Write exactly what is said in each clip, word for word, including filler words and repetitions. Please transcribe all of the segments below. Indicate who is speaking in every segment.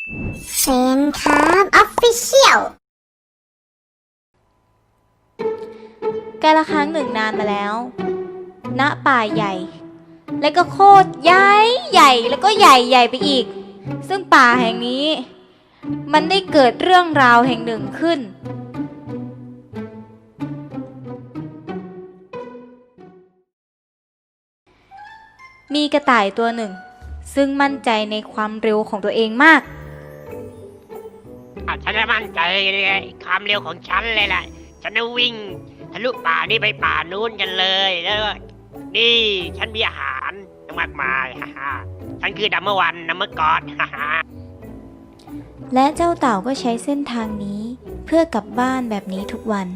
Speaker 1: เซนครับออฟฟิเชียล
Speaker 2: กาละครั้งหนึ่งนานมาแล้ว ณ ป่าใหญ่ และก็โคตรใหญ่ใหญ่แล้วก็ใหญ่ใหญ่ไปอีก ซึ่งป่าแห่งนี้ มันได้เกิดเรื่องราวแห่งหนึ่งขึ้น มีกระต่ายตัวหนึ่ง ซึ่งมั่นใจในความเร็วของตัวเองมาก
Speaker 3: อ่ะฉันจะมั่นใจในความเร็วของฉันเลยแหละฉันจะวิ่งทะลุป่านี่ไปป่านู้นกันเลยแล้วก็นี่ฉันมีอาหารมากมายฮ่าฮ่าฉันคือดัมเมอร์วันดัมเมอร์กอดฮ่าฮ่า
Speaker 2: และเจ้าเต่าก็ใช้เส้นทางนี้เพื่อกลับบ้านแบบนี้ทุกวัน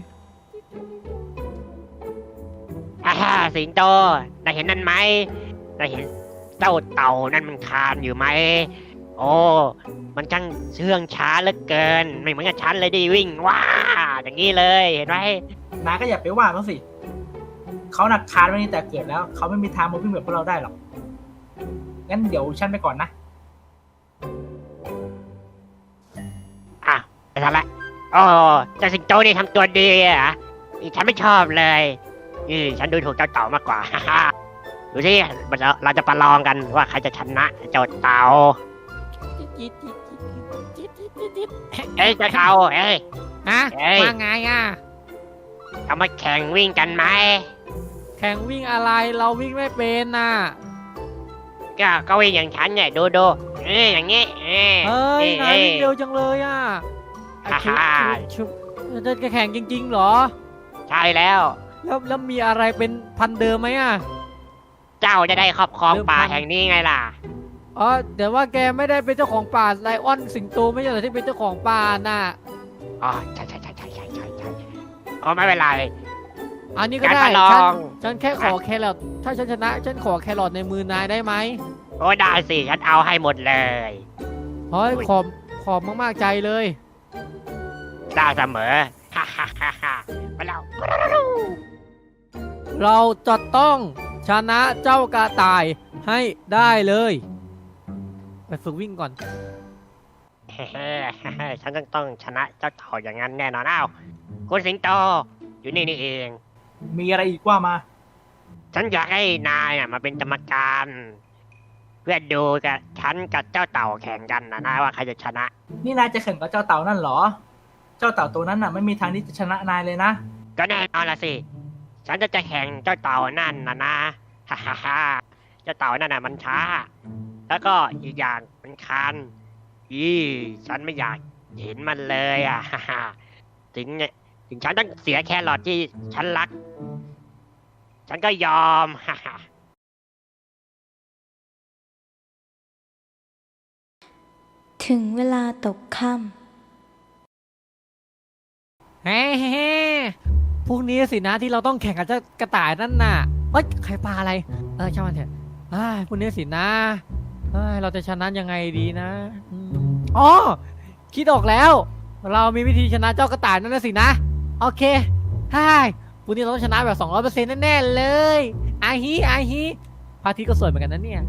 Speaker 3: ฮ่าฮ่าสิงโตได้เห็นนั่นไหมได้เห็นเจ้าเต่านั่นมันคลานอยู่ไหมโอ้มันช่างเชื่องช้าเหลือเกินไม่เหมือนกับฉันเลยดิวิ่งว้าอย่างนี้เลยเห็นไหม
Speaker 4: นายก็อย่าไปว่าเขาสิ เขาหนักคานไว้นี่แต่เกิดแล้ว เขาไม่มีทางมาวิ่งแบบพวกเราได้หรอก งั้นเดี๋ยวฉันไปก่อนนะ
Speaker 3: อ่ะไปทำละโอ้เจ้าสิงโตนี่ทำตัวดีอ่ะนี่ฉันไม่ชอบเลยนี่ฉันดูถูกเจ้าเต่ามากกว่า ฮ่าฮ่าดูสิเราเราจะประลองกันว่าใครจะชนะเจ้าเต่าเอ้ยเจ้าเต่าเอ้ย
Speaker 5: ฮะ
Speaker 3: เอ้ย
Speaker 5: ว่าไงอ่ะ
Speaker 3: เอามาแข่งวิ่งกันไหม
Speaker 5: แข่งวิ่งอะไรเราวิ่งไม่เป็นน่ะ
Speaker 3: ก็ก็วิ่งอย่างฉันเนี่ยดูดูเอ้ยอย่างงี้เอ้ย
Speaker 5: เฮ้ยนายวิ่งเร็วจังเลยอ่ะ
Speaker 3: ฮ่าฮ่า
Speaker 5: ชุบจะจะแข่งจริงๆเหรอ
Speaker 3: ใช่แล้ว
Speaker 5: แล้วแล้วมีอะไรเป็นพันเดิมไหมอ่ะ
Speaker 3: เจ้าจะได้ครอบครอง
Speaker 5: เริ่ม
Speaker 3: ป่า
Speaker 5: พัน
Speaker 3: แห่งนี้ไงล่ะ
Speaker 5: อ๋อแต่ว่าแกไม่ได้เป็นเจ้าของป่าไลออนสิงโตไม่ใช่เหรอที่เป็นเจ้าของป่าน่ะ
Speaker 3: อ๋อใช่ใช่ใช่ใช่ใช่ใช่ใช่อ๋อไม่เป็นไร
Speaker 5: อันนี้ก็ได้
Speaker 3: การประล
Speaker 5: ฉัน
Speaker 3: อง
Speaker 5: ฉันแค่ขอแครอทถ้าฉันชนะฉันขอแครอทในมือนายได้ไหม
Speaker 3: โอ้ได้สิฉันเอาให้หมดเลย
Speaker 5: เฮ้ยขอบขอบมากๆใจเลย
Speaker 3: ได้เสมอ ฮ่าฮ่าฮ่าฮ่ามาแล้ว
Speaker 5: เราจะต้องชนะเจ้ากระต่ายให้ได้เลย ไปฝึกวิ่งก่อน
Speaker 3: เฮ้ ฉันต้องต้องชนะเจ้าเต่าอย่างนั้นแน่นอนอ้าวคุณสิงโตอยู่นี่นี่เอง
Speaker 4: มีอะไรอีกว่ามา
Speaker 3: ฉันอยากให้นายน่ะมาเป็นกรรมการ เพื่อดูกับฉันกับเจ้าเต่าแข่งกันนะนะว่าใครจะชนะ
Speaker 4: นี่นายจะแข่งกับเจ้าเต่านั่นเหรอ เจ้าเต่าตัวนั้นน่ะไม่มีทางที่จะชนะนายเลยนะ
Speaker 3: ก็แน่นอนละสิ ฉันจะจะแข่งเจ้าเต่านั่นนะนะ ฮ่าฮ่าฮ่าเจ้าเต่านั่นน่ะมันช้า แล้วก็อีกอย่างมันคันอีฉันไม่อยากเห็นมันเลยอ่ะ ฮ่าฮ่าถึงเนี่ยถึงฉันต้องเสียแครอทที่ฉันรัก ฉันก็ยอม ฮ่าฮ่า
Speaker 2: ถึงเวลาตกค่ำ
Speaker 5: เฮ้เฮ้พรุ่งนี้สินะที่เราต้องแข่งกับเจ้ากระต่ายนั่นน่ะเอ้ยใครปลาอะไร เออช่างมันเถอะเอ้ยพรุ่งนี้สินะเอ้ยเราจะชนะยังไงดีนะอืมอ๋อคิดออกแล้ว เรามีวิธีชนะเจ้ากระต่ายนั่นนะสินะโอเคใช่พรุ่งนี้เราต้องชนะแบบสองร้อยเปอร์เซ็นต์แน่ๆเลยอาฮิอาฮิพระอาทิตย์ก็สวยเหมือนกันนะเนี่ย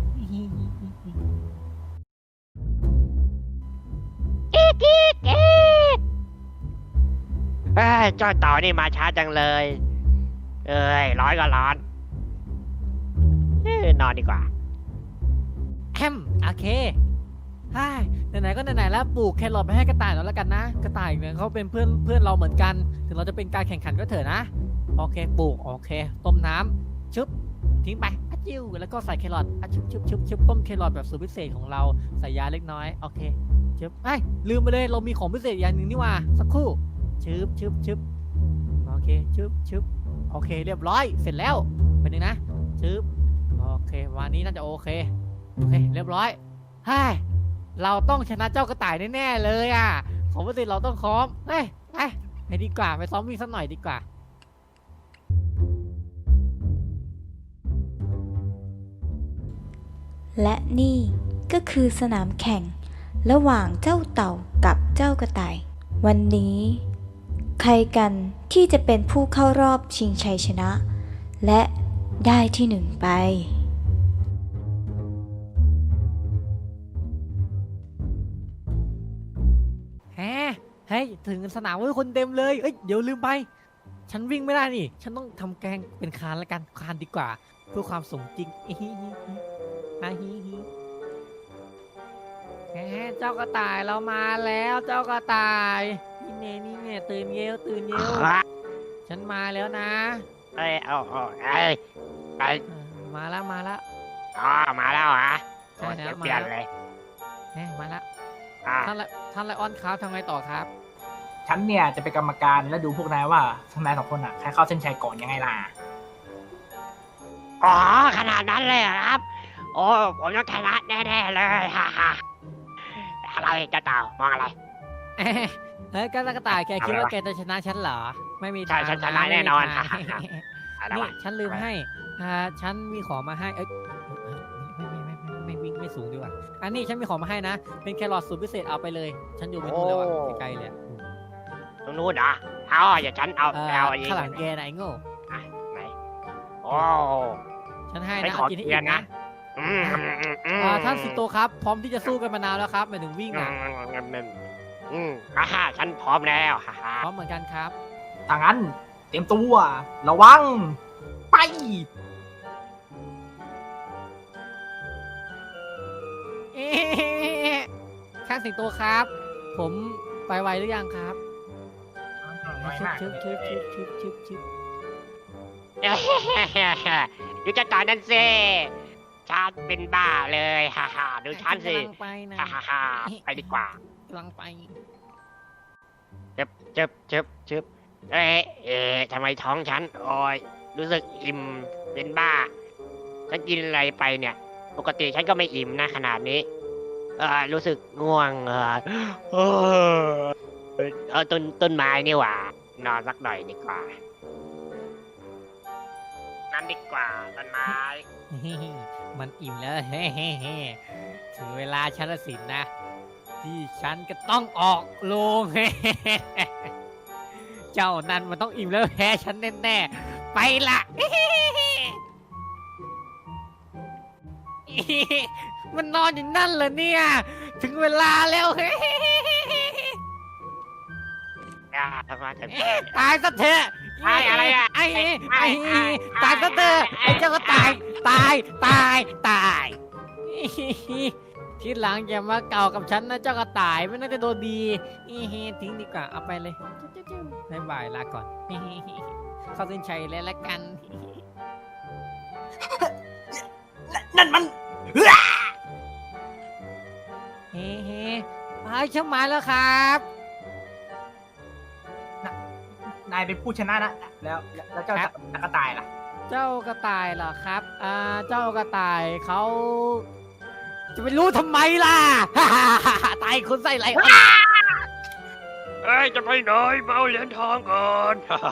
Speaker 3: เอ้ยเจ้าเต่านี่มาช้าจังเลย เอ้ยร้อนก็ร้อนเอ้ยนอนดีกว่า
Speaker 5: แอมโอเคใช่ไหนๆก็ไหนๆแล้วปลูกแครอทไปให้กระต่ายแล้วแล้วกันนะ กระต่ายเนี่ยเขาเป็นเพื่อนเพื่อนเราเหมือนกัน ถึงเราจะเป็นการแข่งขันก็เถอะนะ โอเคปลูกโอเค ต้มน้ำชึบทิ้งไปอะจิ้วแล้วก็ใส่แครอทอะชึบชึบชึบชึบต้มแครอทแบบสูตรพิเศษของเราใส่ยาเล็กน้อยโอเคชึบไอ้ยลืมไปเลยเรามีของพิเศษอย่างหนึ่งนี่หว่าสักครู่ชึบชึบชึบโอเคชึบชึบโอเคเรียบร้อยเสร็จแล้วเป็นยังนะชึบโอเควันนี้น่าจะโอเคโอเคเรียบร้อยเฮ้ยเราต้องชนะเจ้ากระต่ายแน่ๆเลยอ่ะของพิเศษเราต้องซ้อมเฮ้ยไปไปดีกว่าไปซ้อมวิ่งสักหน่อยดีกว่า
Speaker 2: และนี่ก็คือสนามแข่งระหว่างเจ้าเต่ากับเจ้ากระต่าย วันนี้ ใครกันที่จะเป็นผู้เข้ารอบชิงชัยชนะ และได้ที่หนึ่งไป
Speaker 5: ฮะเฮ้ยถึงสนามเว้ยคนเต็มเลยเอ้ยเดี๋ยวลืมไป ฉันวิ่งไม่ได้นี่ ฉันต้องทำแกงเป็นคานละกันคานดีกว่า เพื่อความสมจริงอิฮิฮิฮิอาฮิฮิแหมเจ้ากระต่ายเรามาแล้วเจ้ากระต่ายนี่เน่นี่เน่ตื่นเยวตื่นเยวฉันมาแล้วนะ
Speaker 3: เอ้ยเอาเอาเอ้ยไป
Speaker 5: เออมาแล้วมาแล้ว
Speaker 3: อ๋อมาแล้วเหรอ
Speaker 5: ใช่แล้ว
Speaker 3: เปลี่ยน
Speaker 5: มาแล้ว
Speaker 3: เลย
Speaker 5: แหมมาแล้ว
Speaker 3: อ่า
Speaker 5: ท่านละท่านไลออนครับทำไงต่อครับ
Speaker 4: ฉันเนี่ยจะเป็นกรรมการและดูพวกนายว่าทั้งนายสองคนอ่ะใครเข้าเส้นชัยก่อนยังไงล่ะ
Speaker 3: อ๋อขนาดนั้นเลยเหรอครับ โอ้ผมต้องชนะแน่ๆเลยฮ่าฮ่าอะไรเจ้าเต่ามองอะไร
Speaker 5: เอ๊ะเฮ้ยกระต่ายแกคิดว่า
Speaker 3: อะไรวะ
Speaker 5: แกจะชนะฉันเหรอ ไม่มี
Speaker 3: ใช่
Speaker 5: ทาง
Speaker 3: ฉันชนะ
Speaker 5: ไม่มี
Speaker 3: แน่นอน
Speaker 5: ทาง
Speaker 3: อะไร
Speaker 5: นี่
Speaker 3: วะ
Speaker 5: ฉันลืมให้อ่าฉันมีของมาให้เอ้ยไม่ไม่ไม่ไม่ไม่วิ่งไม่สูงดีกว่าอันนี้ฉันมีของมาให้นะ เป็นแครอทสูตรพิเศษเอาไปเลย ฉันอยู่ไม่นู่นแล้วอ่ะไกลๆเลยอะ
Speaker 3: ตรงนู้นเหรอเอาอย่าฉันเอา
Speaker 5: เอ่อ
Speaker 3: เอาเอง
Speaker 5: ข้างหลังแกนะไอ้โง่
Speaker 3: อ่ะไหนโอ้
Speaker 5: ฉันให้
Speaker 3: ไม่
Speaker 5: นะ
Speaker 3: ขอ
Speaker 5: กินให้
Speaker 3: เกีย
Speaker 5: อิ่
Speaker 3: ร
Speaker 5: ม
Speaker 3: นะ
Speaker 5: นะ
Speaker 3: อืมอืมอืมอืม
Speaker 5: อ่าท่านสิงโตครับ พร้อมที่จะสู้กันมานานแล้วครับหมายถึงวิ่ง
Speaker 3: อื
Speaker 5: อ่ะ
Speaker 3: มอืมอืมอืมฮ่าฮ่าฉันพร้อมแล้วฮ่าฮ่า
Speaker 5: พร้อมเหมือนกันครับ
Speaker 4: ถ้างั้นเตรียมตัวระวังไป
Speaker 5: เอ๊ะข้างสิงโตครับ ผมไปไวหรือยังครับ
Speaker 4: น้อยมาก
Speaker 5: ชึบชึบชึบชึบชึบชึบ
Speaker 3: เอ้ยดูเจ้าต่อนั่นสิฉันเป็นบ้าเลยฮ่าฮ่าดูฉันสิ
Speaker 5: กำลังไปนะ
Speaker 3: ฮ่าฮ่าฮ่าไปดีกว่า
Speaker 5: กำลังไป
Speaker 3: จึบจึบจึบจึบเอ๊ะเอ๊ะทำไมท้องฉันโอ้ยรู้สึกอิ่มเป็นบ้า ฉันกินอะไรไปเนี่ย ปกติฉันก็ไม่อิ่มนะขนาดนี้ เออรู้สึกง่วงเออเออเออต้นต้นไม้นี่หว่านอนสักหน่อยดีกว่านั่นดีกว่าต้นไม้
Speaker 5: มันอิ่มแล้ว เฮ้ถึงเวลาฉันละสินนะ ที่ฉันก็ต้องออกโรง เจ้านั่นมันต้องอิ่มแล้วแพ้ฉันแน่ๆไปละ มันนอนอยู่นั่นเหรอเนี่ย ถึงเวลาแล้ว
Speaker 3: อ่าทำไมถึง
Speaker 5: ตายซะเถอะ
Speaker 3: ไอ้อะไรอะ
Speaker 5: ไอ้
Speaker 3: ไอ้
Speaker 5: ไอ้
Speaker 3: ไอ้
Speaker 5: ตายซะเถอะไอ้เจ้าก็ตาย ตาย ตาย ตาย ทีหลังอย่ามาเก่ากับฉันนะเจ้ากระต่ายไม่น่าจะโดนดีทิ้งดีกว่าเอาไปเลยบ๊ายบายลาก่อน เข้าเส้นชัยแล้วละกัน
Speaker 4: นั่นมัน
Speaker 5: เฮ้เฮ้ไปช่างมาแล้วครับ
Speaker 4: นายเป็นผู้ชนะนะแล้วแล้วเจ้า
Speaker 5: ครับ
Speaker 4: ตะกระต่ายล่ะ
Speaker 5: เจ้ากระต่ายเหรอครับอ่าเจ้ากระต่ายเขาจะไปรู้ทำไมล่ะ ตายคนใส่ไรอ่ะ
Speaker 3: เอ้ยจะไปไหนมาเอาเหรียญทองก่อน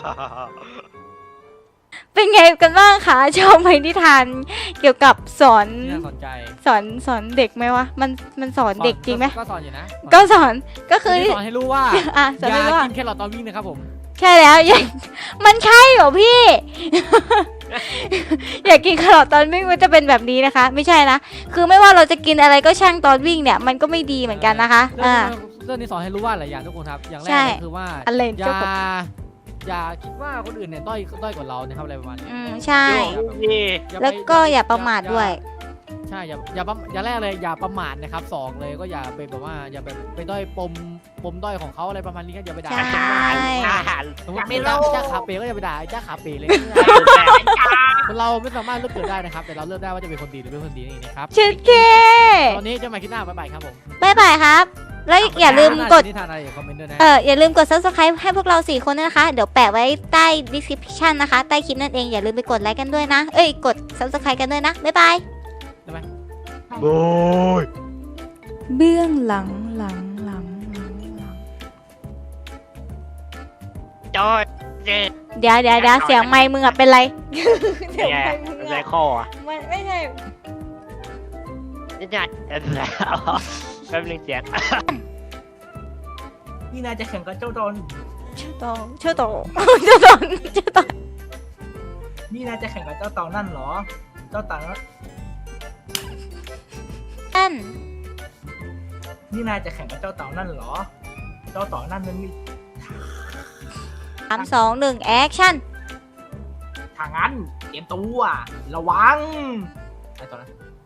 Speaker 2: เป็นไงกันบ้างคะชอบไหมนิทานเกี่ยวกับสอน
Speaker 5: น่าสนใจ
Speaker 2: สอนสอนเด็กไหมวะมันมันสอนเด็กจริงไหม
Speaker 5: ก็สอนอยู่นะ
Speaker 2: ก็สอนก็คือ
Speaker 5: สอนให้รู้ว่า
Speaker 2: อ่ะส
Speaker 5: อ
Speaker 2: อน
Speaker 5: ย่า
Speaker 2: ไม่ว่า
Speaker 5: กินแครอทตอนวิ่งนะครับผม
Speaker 2: ใช่แล้ว อย่ามันใช่เหรอพี่ อยากกินแครอทตอนวิ่งมันจะเป็นแบบนี้นะคะ ไม่ใช่นะคือไม่ว่าเราจะกินอะไรก็ช่างตอนวิ่งเนี่ย มันก็ไม่ดีเหมือนกันนะคะ
Speaker 5: เรื่อง
Speaker 2: อ่า
Speaker 5: เรื่องนี้สอนให้รู้ว่าหลายอย่างทุกคนครับ อย่างแรก
Speaker 2: ใช่
Speaker 5: เลยคือว่า
Speaker 2: อะไร
Speaker 5: อย่า
Speaker 2: เจ้าของ
Speaker 5: อย่าคิดว่าคนอื่นเนี่ยด้อยด้อยกว่าเรานะครับอะไรประมาณนี้
Speaker 2: อืมใช่
Speaker 3: นี่
Speaker 5: อย่าไป
Speaker 2: แล้วก็อย่าประมาทด้วย
Speaker 5: ใช่อย่าอย่าประอย่าแรกเลยอย่าประมาทนะครับสองเลยก็อย่าไปแบบว่าอย่าไปไปด้อยปมปมด้อยของเขาอะไรประมาณนี้ก็อย่าไปด่า
Speaker 2: ใช่
Speaker 3: อาหาร
Speaker 5: สมมติเป็นจ้าจ้าขาเป๋ก็อย่าไปด่าไอ้จ้าขาเป๋เลยคนเราไม่สามารถเลือกเกิดได้นะครับ แต่เราเลือกได้ว่าจะเป็นคนดีหรือไม่เป็นคนดีนี่นะครับ
Speaker 2: เชิดเค
Speaker 5: ตอนนี้จะมาคิดหน้าบ๊ายบายครับผม
Speaker 2: บ๊ายบายครับ แล้วอย่าลืมกด
Speaker 5: นิทานอะไรอย่าคอมเมนต์ด้วยนะ
Speaker 2: เอออย่าลืมกด subscribe ให้พวกเราสี่คนด้วยนะคะ เดี๋ยวแปะไว้ใต้ description นะคะ ใต้คลิปนั่นเอง อย่าลืมไปกดไลค์กันด้วยนะ เอ้ย กด subscribe กันด้วยนะ บ๊ายบาย
Speaker 3: โอ้ย
Speaker 2: เบื้องหลังหลังหลังหลังหลัง
Speaker 3: จอดเจ็ด
Speaker 2: เดี๋ยวเดี๋ยวเดี๋ยวเสียงไมค์มึงอะเป็นไร เสียง
Speaker 3: แย่
Speaker 2: ไมค์มึง
Speaker 3: ไร
Speaker 2: อะ
Speaker 3: คออ่ะ
Speaker 2: มันไม่ใช่
Speaker 3: นี่จัดแป๊บนึงเสียง
Speaker 4: นี่นายจะแข่งกับเจ้าตอน
Speaker 2: ชื่อโตชื่อโตชื่อโตชื่อโต
Speaker 4: นี่นายจะแข่งกับเจ้าเต่านั่นเหรอ เจ้าเต่านั่น
Speaker 2: นั่น
Speaker 4: นี่นายจะแข่งกับเจ้าเต่านั่นเหรอเจ้าต่อนั่นมันมี
Speaker 2: สามสองหนึ่งแอคชั่น
Speaker 4: ทางนั้นเตรียมตัวระวังไอ้ตอนนั้น